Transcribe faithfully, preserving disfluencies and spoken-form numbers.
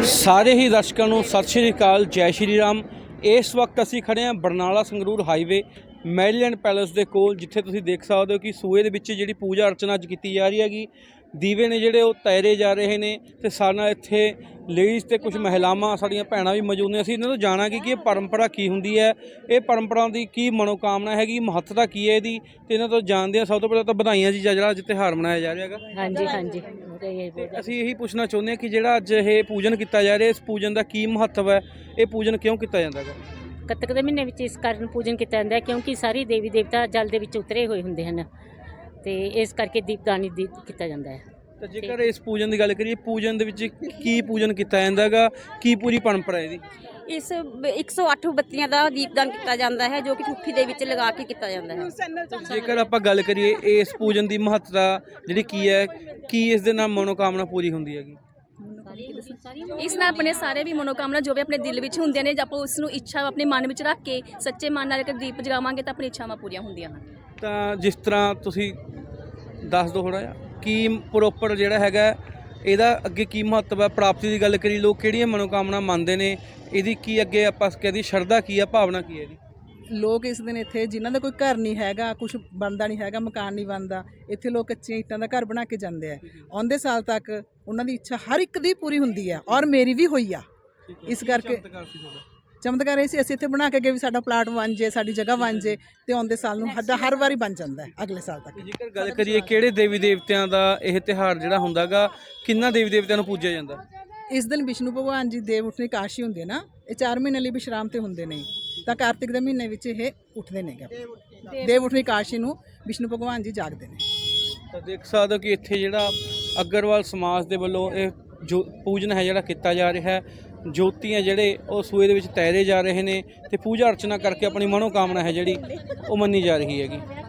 ਸਾਰੇ ਹੀ ਦਰਸ਼ਕਾਂ ਨੂੰ ਸਤਿ ਸ਼੍ਰੀ ਅਕਾਲ, ਜੈ ਸ਼੍ਰੀ ਰਾਮ। ਇਸ ਵਕਤ ਅਸੀਂ ਖੜੇ ਹਾਂ Barnala Sangrur highway Maryland palace ਦੇ ਕੋਲ, ਜਿੱਥੇ ਤੁਸੀਂ ਦੇਖ ਸਕਦੇ ਹੋ ਕਿ ਸੂਏ ਦੇ ਵਿੱਚ ਜਿਹੜੀ ਪੂਜਾ ਅਰਚਨਾ ਅੱਜ ਕੀਤੀ ਜਾ ਰਹੀ ਹੈਗੀ। ਦੀਵੇ ਨੇ ਜਿਹੜੇ ਉਹ ਤੈਰੇ ਜਾ ਰਹੇ ਨੇ ਤੇ ਸਾਡੇ ਨਾਲ ਇੱਥੇ ਲੇਡੀਜ਼ ਤੇ ਕੁਝ ਮਹਿਲਾਵਾਂ ਸਾਡੀਆਂ ਭੈਣਾਂ ਵੀ ਮੌਜੂਦ ਨੇ। ਅਸੀਂ ਇਹਨਾਂ ਤੋਂ ਜਾਣਾਂਗੇ ਕਿ ਇਹ ਪਰੰਪਰਾ ਕੀ ਹੁੰਦੀ ਹੈ, ਇਹ ਪਰੰਪਰਾ ਦੀ ਕੀ ਮਨੋਕਾਮਨਾ ਹੈਗੀ, ਮਹੱਤਤਾ ਕੀ ਹੈ ਇਹਦੀ, ਤੇ ਇਹਨਾਂ ਤੋਂ ਜਾਣਦੇ ਹਾਂ। ਸਭ ਤੋਂ ਪਹਿਲਾਂ ਤਾਂ ਵਧਾਈਆਂ ਜੀ, ਜਿਹੜਾ ਅੱਜ ਤਿਉਹਾਰ ਮਨਾਇਆ ਜਾ ਰਿਹਾ ਹੈਗਾ। ਹਾਂਜੀ ਹਾਂਜੀ ਅਸੀਂ ਇਹੀ ਪੁੱਛਣਾ ਚਾਹੁੰਦੇ ਹਾਂ ਕਿ ਜਿਹੜਾ ਅੱਜ ਇਹ ਪੂਜਨ ਕੀਤਾ ਜਾ ਰਿਹਾ, ਇਸ ਪੂਜਨ ਦਾ ਕੀ ਮਹੱਤਵ ਹੈ, ਇਹ ਪੂਜਨ ਕਿਉਂ ਕੀਤਾ ਜਾਂਦਾ ਹੈਗਾ? ਕੱਤਕ ਦੇ ਮਹੀਨੇ ਵਿੱਚ ਇਸ ਕਾਰਨ ਪੂਜਨ ਕੀਤਾ ਜਾਂਦਾ ਹੈ ਕਿਉਂਕਿ ਸਾਰੇ ਦੇਵੀ ਦੇਵਤਾ ਜਲ ਦੇ ਵਿੱਚ ਉਤਰੇ ਹੋਏ ਹੁੰਦੇ ਹਨ, ਤੇ ਇਸ ਕਰਕੇ ਦੀਪਦਾਨੀ ਦੀ ਕੀਤਾ ਜਾਂਦਾ ਹੈ। ਤਾਂ ਜੇਕਰ ਇਸ ਪੂਜਨ ਦੀ ਗੱਲ ਕਰੀਏ, ਪੂਜਨ ਦੇ ਵਿੱਚ ਕੀ ਪੂਜਨ ਕੀਤਾ ਜਾਂਦਾ ਹੈਗਾ, ਕੀ ਪੂਰੀ ਪਰੰਪਰਾ ਇਹਦੀ? ਇਸ ਇੱਕ ਸੌ ਅੱਠ ਬੱਤੀਆਂ ਦਾ ਦੀਪਦਾਨ ਕੀਤਾ ਜਾਂਦਾ ਹੈ, ਜੋ ਕਿ ਠੁੱਠੀ ਦੇ ਵਿੱਚ ਲਗਾ ਕੇ ਕੀਤਾ ਜਾਂਦਾ ਹੈ। ਜੇਕਰ ਆਪਾਂ ਗੱਲ ਕਰੀਏ ਇਸ ਪੂਜਨ ਦੀ ਮਹੱਤਤਾ ਜਿਹੜੀ ਕੀ ਹੈ, ਕੀ ਇਸ ਦੇ ਨਾਲ ਮਨੋਕਾਮਨਾ ਪੂਰੀ ਹੁੰਦੀ ਹੈਗੀ? ਇਸ ਨਾਲ ਆਪਣੇ ਸਾਰੇ ਵੀ ਮਨੋਕਾਮਨਾ ਜੋ ਵੀ ਆਪਣੇ ਦਿਲ ਵਿੱਚ ਹੁੰਦੀਆਂ ਨੇ, ਜੇ ਆਪਾਂ ਉਸ ਨੂੰ ਇੱਛਾ ਆਪਣੇ ਮਨ ਵਿੱਚ ਰੱਖ ਕੇ ਸੱਚੇ ਮਨ ਨਾਲ ਅਗਰ ਦੀਪ ਜਗਾਵਾਂਗੇ ਤਾਂ ਆਪਣੀ ਇੱਛਾਵਾਂ ਪੂਰੀਆਂ ਹੁੰਦੀਆਂ ਹਨ। ਤਾਂ ਜਿਸ ਤਰ੍ਹਾਂ ਤੁਸੀਂ ਦੱਸ ਦਿਓ ਥੋੜ੍ਹਾ ਜਿਹਾ ਕੀ ਪ੍ਰੋਪਰ ਜਿਹੜਾ ਹੈਗਾ ਇਹਦਾ ਅੱਗੇ ਕੀ ਮਹੱਤਵ ਹੈ? ਪ੍ਰਾਪਤੀ ਦੀ ਗੱਲ ਕਰੀ, ਲੋਕ ਕਿਹੜੀਆਂ ਮਨੋਕਾਮਨਾ ਮੰਨਦੇ ਨੇ, ਇਹਦੀ ਕੀ ਅੱਗੇ ਆਪਾਂ ਕਹਿੰਦੀ ਸ਼ਰਧਾ ਕੀ ਆ, ਭਾਵਨਾ ਕੀ ਹੈ ਇਹਦੀ? ਲੋਕ ਇਸ ਦਿਨ ਇੱਥੇ ਜਿਨ੍ਹਾਂ ਦਾ ਕੋਈ ਘਰ ਨਹੀਂ ਹੈਗਾ, ਕੁਝ ਬਣਦਾ ਨਹੀਂ ਹੈਗਾ, ਮਕਾਨ ਨਹੀਂ ਬਣਦਾ, ਇੱਥੇ ਲੋਕ ਕੱਚੀਆਂ ਇੱਟਾਂ ਦਾ ਘਰ ਬਣਾ ਕੇ ਜਾਂਦੇ ਆ। ਆਉਂਦੇ ਸਾਲ ਤੱਕ ਉਹਨਾਂ ਦੀ ਇੱਛਾ ਹਰ ਇੱਕ ਦੀ ਪੂਰੀ ਹੁੰਦੀ ਹੈ, ਔਰ ਮੇਰੀ ਵੀ ਹੋਈ ਆ। ਇਸ ਕਰਕੇ ਚਮਤਕਾਰ ਇਹ ਸੀ, ਅਸੀਂ ਇੱਥੇ ਬਣਾ ਕੇ ਗਏ ਵੀ ਸਾਡਾ ਪਲਾਟ ਬਣ ਜੇ, ਸਾਡੀ ਜਗ੍ਹਾ ਬਣ ਜੇ, ਤੇ ਆਉਂਦੇ ਸਾਲ ਨੂੰ ਸਾਡਾ ਹਰ ਵਾਰੀ ਬਣ ਜਾਂਦਾ ਹੈ ਅਗਲੇ ਸਾਲ ਤੱਕ। ਜੇਕਰ ਗੱਲ ਕਰੀਏ ਕਿਹੜੇ ਦੇਵੀ ਦੇਵਤਿਆਂ ਦਾ ਇਹ ਤਿਉਹਾਰ ਜਿਹੜਾ ਹੁੰਦਾ ਗਾ, ਕਿੰਨਾ ਦੇਵੀ ਦੇਵਤਿਆਂ ਨੂੰ ਪੂਜਿਆ ਜਾਂਦਾ? ਇਸ ਦਿਨ ਵਿਸ਼ਨੂੰ ਭਗਵਾਨ ਜੀ ਦੇਵ ਉੱਠਣੀ ਕਾਸ਼ੀ ਹੁੰਦੇ ਨਾ, ਇਹ ਚਾਰ ਮਹੀਨੇ ਲਈ ਵਿਸ਼ਰਾਮ ਤੇ ਹੁੰਦੇ ਨੇ, ਤਾਂ ਕਾਰਤਿਕ ਦੇ ਮਹੀਨੇ ਵਿੱਚ ਇਹ ਉੱਠਦੇ ਨੇ। ਦੇਵ ਉੱਠਣੀ ਕਾਸ਼ੀ ਨੂੰ ਵਿਸ਼ਨੂੰ ਭਗਵਾਨ ਜੀ ਜਾਗਦੇ ਨੇ। ਤਾਂ ਦੇਖ ਸਕਦੇ ਹੋ ਕਿ ਇੱਥੇ ਜਿਹੜਾ ਅਗਰਵਾਲ ਸਮਾਜ ਦੇ ਵੱਲੋਂ ਇਹ ਜੋ ਪੂਜਨ ਹੈ ਜਿਹੜਾ ਕੀਤਾ ਜਾ ਰਿਹਾ ਹੈ, ਜੋਤੀਆਂ ਜਿਹੜੇ ਉਹ ਸੂਏ ਦੇ ਵਿੱਚ ਤੈਰੇ ਜਾ ਰਹੇ ਨੇ ਤੇ ਪੂਜਾ ਅਰਚਨਾ ਕਰਕੇ ਆਪਣੀ ਮਨੋਕਾਮਨਾ ਹੈ ਜਿਹੜੀ ਉਹ ਮੰਨੀ ਜਾ ਰਹੀ ਹੈਗੀ।